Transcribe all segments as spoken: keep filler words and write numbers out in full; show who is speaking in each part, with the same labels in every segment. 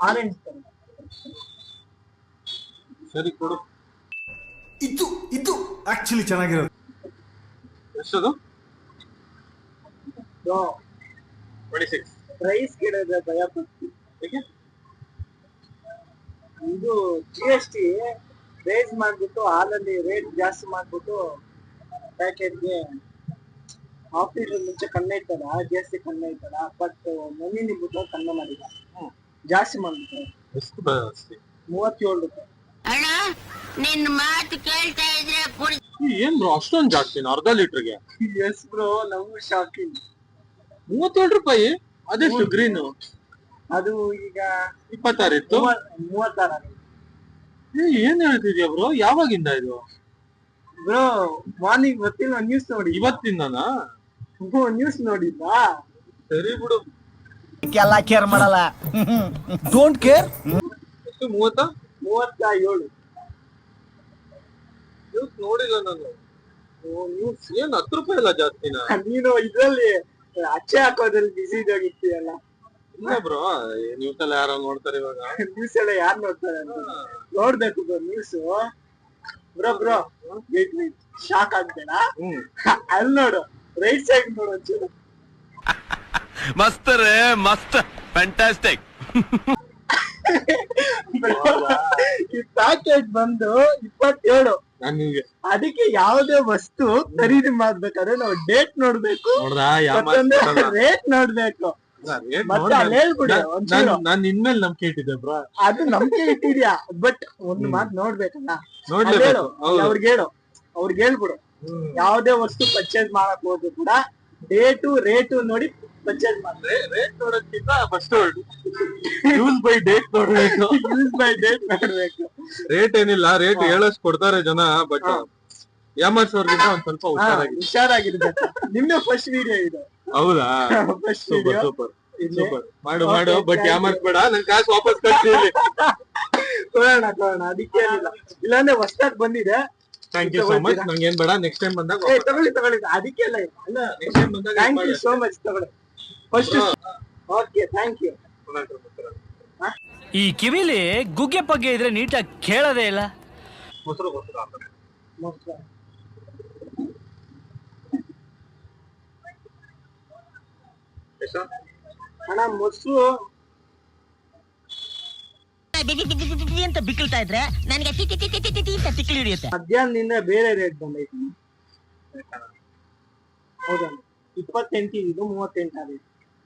Speaker 1: Orange ತರ.
Speaker 2: ಸರಿ ಕೊಡು.
Speaker 3: ಇದು ಇದು ಆಕ್ಚುಲಿ ಚೆನ್ನಾಗಿರೋದು.
Speaker 2: ಎಷ್ಟದು?
Speaker 1: Twenty six. ಪ್ರೈಸ್ ಕೇಳಿದ್ರೆ ಭಯ ಪಡ್ತಿ. ಇದು ಜಿ ಎಸ್ ಟಿ ರೇಸ್ ಮಾಡ್ಬಿಟ್ಟು ಹಾಲಲ್ಲಿ ರೇಟ್ ಜಾಸ್ತಿ ಮಾಡ್ಬಿಟ್ಟು ಪ್ಯಾಕೆಟ್ಗೆ ಆಫೀಸ್ ಮುಂಚೆ ಕಣ್ಣೆ ಇರ್ತದ, ಜಿ ಎಸ್ ಟಿ ಕಣ್ಣೆ ಇರ್ತದ, ಬಟ್ ಮನಿ ನಿಂಬಿಟ್ಟು ಕಣ್ಣೆ ಮಾಡಿದ ಜಾಸ್ತಿ ಮಾಡ್ಬಿಟ್ಟು ಮೂವತ್ತೇಳು ರೂಪಾಯಿ.
Speaker 4: ಅಣ್ಣ ನಿನ್ ಮಾತು ಕೇಳ್ತಾ ಇದ್ರೆ
Speaker 2: ಏನ್ ಬ್ರೋ ಅಷ್ಟೊಂದ್ ಜಾಸ್ತಿ ಅರ್ಧ ಲೀಟರ್ಗೆ?
Speaker 1: ಎಸ್ ಬ್ರೋ, ನಮಗೂ ಶಾಕಿಂಗ್.
Speaker 2: ಮೂವತ್ತೇಳು ರೂಪಾಯಿ. ಅದೆಷ್ಟು ಗ್ರೀನ್?
Speaker 1: ಅದು ಈಗ
Speaker 2: ಇಪ್ಪತ್ತಾರು ಇತ್ತು.
Speaker 1: ಮೂವತ್ತಾರ.
Speaker 2: ಏನ್ ಹೇಳ್ತಿದ್ಯಾ ಬ್ರೋ? ಯಾವಾಗಿಂದ ಇದು
Speaker 1: ಬ್ರೋ? ಮಾರ್ನಿಂಗ್ ಗೊತ್ತಿಲ್ಲ, ನ್ಯೂಸ್ ನೋಡಿ.
Speaker 2: ಇವತ್ತಿಂದನಾ?
Speaker 1: ನ್ಯೂಸ್ ನೋಡಿದ್ವಾ?
Speaker 2: ಸರಿ ಬಿಡು,
Speaker 5: ಎಲ್ಲ ಕೇರ್ ಮಾಡಲ್ಲ. Don't care.
Speaker 2: ಎಷ್ಟು? ಮೂವತ್ತ
Speaker 1: ಮೂವತ್ತ ಏಳು.
Speaker 2: ನ್ಯೂಸ್ ನೋಡಿಲ್ಲ ನಾನು. ನ್ಯೂಸ್ ಏನ್ ಹತ್ತು ರೂಪಾಯಿ ಅಲ್ಲ ಜಾಸ್ತಿನ?
Speaker 1: ನೀನು ಇದ್ರಲ್ಲಿ ಅಚ್ಚೆ ಹಾಕೋದ್ರಲ್ಲಿ ಬಿಸಿ ಇದಾಗಿರ್ತೀಯಲ್ಲ.
Speaker 2: ಇಲ್ಲ ಬ್ರೋ, ನ್ಯೂಸ್ ಎಲ್ಲ ಯಾರೋ ನೋಡ್ತಾರೆ ಇವಾಗ.
Speaker 1: ನ್ಯೂಸ್ ಎಲ್ಲ ಯಾರು ನೋಡ್ತಾರೆ ಅಂತ ನೋಡ್ಬೇಕು bro news. Bro bro shock ಆಗ್ಬೇಡ. ಅಲ್ಲಿ ನೋಡು, ರೈಟ್ ಸೈಡ್ ನೋಡು ಒಂಚೂರು.
Speaker 6: ಮಸ್ತ್ ರೇ ಮಸ್ತ್, ಫ್ಯಾಂಟಾಸ್ಟಿಕ್.
Speaker 1: ಈ ಪ್ಯಾಕೆಟ್ ಬಂದು ಇಪ್ಪತ್ತೇಳು.
Speaker 2: ನನಗೆ
Speaker 1: ಅದಕ್ಕೆ ಯಾವುದೇ ವಸ್ತು ಖರೀದಿ ಮಾಡ್ಬೇಕಾದ್ರೆ ನಾವು ಡೇಟ್ ನೋಡ್ಬೇಕು, ರೇಟ್ ನೋಡ್ಬೇಕು. ಮತ್ತೆ ಅಲ್ಲಿ ಹೇಳ್ಬಿಡಿ ಒಂಚೂರು.
Speaker 2: ನಾನ್ ಇನ್ಮೇಲೆ ನಂಬಿಕೆ ಇಟ್ಟಿದ್ದೆ ಬ್ರೋ.
Speaker 1: ಅದು ನಂಬಿಕೆ ಇಟ್ಟಿದ್ಯಾ, ಬಟ್ ಒಂದು ಮಾತು ನೋಡ್ಬೇಕಲ್ಲ.
Speaker 2: ನೋಡ್ಲೇಬೇಕು.
Speaker 1: ಅವ್ರಿಗೆ ಹೇಳು, ಅವ್ರಿಗೆ ಹೇಳ್ಬಿಡು, ಯಾವುದೇ ವಸ್ತು ಪರ್ಚೇಸ್ ಮಾಡಕ್ ಹೋದ್ರು ಕೂಡ ಡೇಟು ರೇಟು ನೋಡಿ ಪರ್ಚೇಸ್ ಮಾಡ್ರೆ.
Speaker 2: ರೇಟ್ ನೋಡೋದ್ಕಿಂತ ಫಸ್ಟ್ ಯೂಸ್ ಬೈ ಡೇಟ್ ನೋಡ್ಬೇಕು.
Speaker 1: ಯೂಸ್ ಬೈ ಡೇಟ್ ನೋಡ್ಬೇಕು.
Speaker 2: ರೇಟ್ ಏನಿಲ್ಲ, ರೇಟ್ ಹೇಳೋಷ್ಟು ಕೊಡ್ತಾರೆ ಜನ, ಬಟ್ ಯಾಮರ್ಸೋರ್ಗಿಂತ ಒಂದ್ ಸ್ವಲ್ಪ ಹುಷಾರಾಗಿ
Speaker 1: ಹುಷಾರಾಗಿರ್ಬೇಕು. ನಿಮ್ದು ಫಸ್ಟ್ ವಿಡಿಯೋ ಇದು.
Speaker 2: ಹೌದಾ?
Speaker 1: First
Speaker 2: super
Speaker 1: video.
Speaker 2: Super super. ಮಾಡು ಮಾಡು, ಬಟ್ ಯಾಮರ್ಸ್ಬೇಡ. ನನ್ ಕಾಸು ವಾಪಸ್ ಕಟ್ಟಿ.
Speaker 1: ಕೊಡೋಣ ಕೊಡೋಣ, ಅದಕ್ಕೆ ಏನಿಲ್ಲ. ಇಲ್ಲಾಂದ್ರೆ ಹೊಸ್ದಾಗ್ ಬಂದಿದೆ.
Speaker 2: Thank you so much. ನಂಗೆ ಏನ್ ಬೇಡ, ನೆಕ್ಸ್ಟ್ ಟೈಮ್ ಬಂದಾಗ
Speaker 1: ಏ ತಗೊಳ್ಳಿ ತಗೊಳ್ಳಿ, ಅದಕ್ಕೆ ಎಲ್ಲ ಇಲ್ಲ.
Speaker 2: ನೆಕ್ಸ್ಟ್ ಟೈಮ್ ಬಂದಾಗ
Speaker 1: ಥ್ಯಾಂಕ್ ಯು ಸೋ ಮಚ್, ತಗೊಳ್ಳಿ ಫಸ್ಟ್. Okay, thank you.
Speaker 5: ಈ ಕಿವಿಲಿ ಗುಗ್ಗೆ ಪಗ್ಗೆ ಇದ್ರೆ ನೀಟಾಗಿ ಕೇಳೋದೇ ಇಲ್ಲ.
Speaker 2: ಮೊಸರು ಮೊಸರು ಹಾಕ್ತಾರೆ.
Speaker 1: ಮೊಸರು
Speaker 2: ಎಷ್ಟು
Speaker 1: ಅಣ್ಣ? ಮೊಸರು
Speaker 4: ಅಂತ ಬಿಕ್ಕಳ್ತಾ ಇದ್ರೆ ನನಗೆ ಟಿ ಟಿ ಟಿ ಟಿ ಟಿ ಟಿ ಅಂತ ತಿಕ್ಕಲಿ ಹಿಡಿಯುತ್ತೆ.
Speaker 1: ಮಧ್ಯಾಹ್ನದಿಂದ ಬೇರೆ ರೇಟ್ ಬಂದೈತಿ. ಹೌದಣ್ಣ, ಇಪ್ಪತ್ತೆಂಟು ಇದು ಮೂವತ್ತೆಂಟು ಆಗೈತಿ.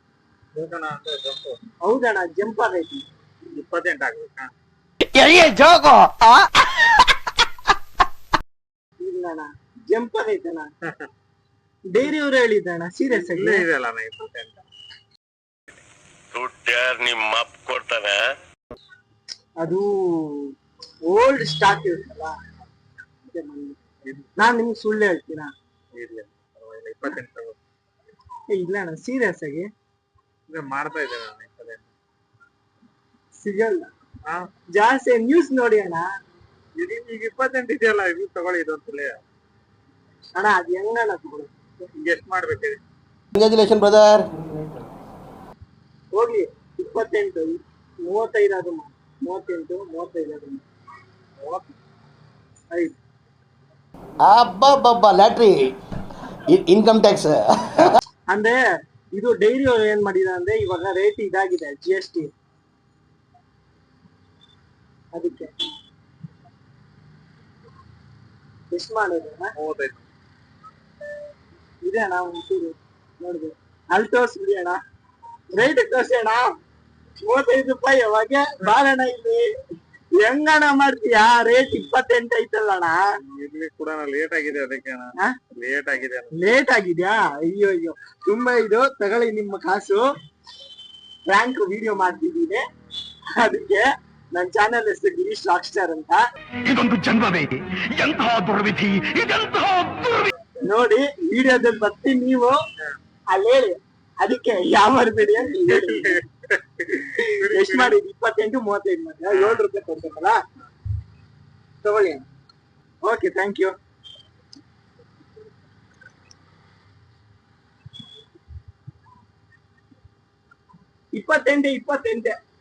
Speaker 1: ಹೌದಣ್ಣ, ಜಂಪ್ ಆಗೈತಿ.
Speaker 2: ಇಪ್ಪತ್ತೆಂಟು ಆಗ್ಬೇಕಾ?
Speaker 1: ಇಲ್ಲಣ್ಣ, ಜಂಪ್ ಆಗೈತಣ್ಣ. ಡೈರಿ ಅವ್ರು ಹೇಳಿದ್ದಣ್ಣ, ಸೀರಿಯಸ್ ಆಗಿ.
Speaker 2: ಇದೆಲ್ಲ ಇಪ್ಪತ್ತೆಂಟು.
Speaker 6: ದುಡ್ಡು ಯಾರು ನಿಮ್ಮ ಅಪ್ಪ ಕೊಡ್ತಾನೆ?
Speaker 1: ಅದು ಓಲ್ಡ್ ಸ್ಟಾಕ್ ಇರುತ್ತಲ್ಲ. ನಾನ್ ನಿಮ್ಗೆ ಸುಳ್ಳು ಹೇಳ್ತೀನ?
Speaker 2: ಇಪ್ಪತ್ತೆಂಟು
Speaker 1: ಇಲ್ಲ ಅಣ್ಣ, ಸೀರಿಯಸ್ ಆಗಿ
Speaker 2: ಮಾಡ್ತಾ ಇದ್ದೇನೆ.
Speaker 1: ಸಿಗಲ್ಲ ಜಾಸ್ತಿ. ನ್ಯೂಸ್ ನೋಡಿ ಅಣ್ಣ.
Speaker 2: ಈಗ ಇಪ್ಪತ್ತೆಂಟು ಇದೆಯಲ್ಲ, ಇದು ತಗೊಳ್ಳಿ. ಇದೊಂದ್ಸಲ
Speaker 1: ಅಣ್ಣ ಅದ್ ಹೆಂಗಣ್ಣ ತಗೊಳ್ಳಿ?
Speaker 2: ಎಷ್ಟು ಮಾಡ್ಬೇಕಿದೆ?
Speaker 5: Congratulation brother.
Speaker 1: ಹೋಗ್ಲಿ, ಇಪ್ಪತ್ತೆಂಟು ಮೂವತ್ತೈದು ಅದು ಮೂವತ್ತೆಂಟು ಮೂವತ್ತೈದು ಅದು ಐದು.
Speaker 5: ಅಬ್ಬಬ್ಬಬ್ಬ, ಲ್ಯಾಟ್ರಿ, ಇನ್ಕಮ್ ಟ್ಯಾಕ್ಸ್.
Speaker 1: ಅಂದ್ರೆ ಇದು ಡೈರಿ ಅವ್ರು ಏನ್ ಮಾಡಿದ ಅಂದ್ರೆ, ಇವಾಗ ರೇಟ್ ಇದಾಗಿದೆ ಜಿ ಎಸ್ ಟಿ, ಅದಕ್ಕೆ ಎಷ್ಟು ಮಾಡೋದು?
Speaker 2: ಮೂವತ್ತೈದು
Speaker 1: ಇದೆ ಅಣ್ಣ, ಒಂಚೂರು ನೋಡ್ಬೇಕು. ಅಲ್ಲಿ ತೋರ್ಸ್ಬಿಡಿ ಅಣ್ಣ, ರೇಟ್ ತೋರ್ಸಿ ಅಣ್ಣ. ಮೂವತ್ತೈದು ರೂಪಾಯಿ ಯಾವಾಗ ಬಾರಣ್ಣ ಇಲ್ಲಿ. ಹೆಂಗಣ್ಣ ಮಾಡ್ತೀಯಾ? ರೇಟ್ ಇಪ್ಪತ್ತೆಂಟು ಐತಲ್ಲ ಅಣ್ಣ.
Speaker 2: ಇಲ್ಲಿ ಕೂಡ ಲೇಟ್ ಆಗಿದೆ, ಅದಕ್ಕೆ ಲೇಟ್ ಆಗಿದೆ.
Speaker 1: ಲೇಟ್ ಆಗಿದ್ಯಾ? ಅಯ್ಯೋ ಅಯ್ಯೋ, ತುಂಬಾ ಇದು. ತಗೊಳ್ಳಿ ನಿಮ್ಮ ಕಾಸು. ಫ್ರಾಂಕ್ ವಿಡಿಯೋ ಮಾಡ್ತಿದ್ದೀನಿ, ಅದಕ್ಕೆ ನನ್ನ ಚಾನೆಲ್ ಹೆಸರು ಗಿರೀಶ್ ರಾಕ್ ಸ್ಟಾರ್ ಅಂತ.
Speaker 6: ಇದೊಂದು ಜನ್ಮವೇ, ಎಂತಹ ದುರ್ವಿಧಿ, ಇದೆಂತಹ ದುರ್ವಿಧಿ.
Speaker 1: ನೋಡಿ ವಿಡಿಯೋದಲ್ಲಿ ಬರ್ತೀನಿ, ನೀವು ಅಲ್ಲಿ ಹೇಳಿ, ಅದಕ್ಕೆ ಯಾವ ಮಾಡಬೇಡಿ ಅಂತ ಹೇಳಿ. ಎಷ್ಟು ಮಾಡಿದ್? ಇಪ್ಪತ್ತೆಂಟು ಮೂವತ್ತೈದು ಮಾಡಿ ಏಳು ರೂಪಾಯಿ ಕೊಡ್ಬೇಕಲ್ಲ. ತಗೊಳ್ಳಿ. Okay, thank you. ಇಪ್ಪತ್ತೆಂಟು ಇಪ್ಪತ್ತೆಂಟೆ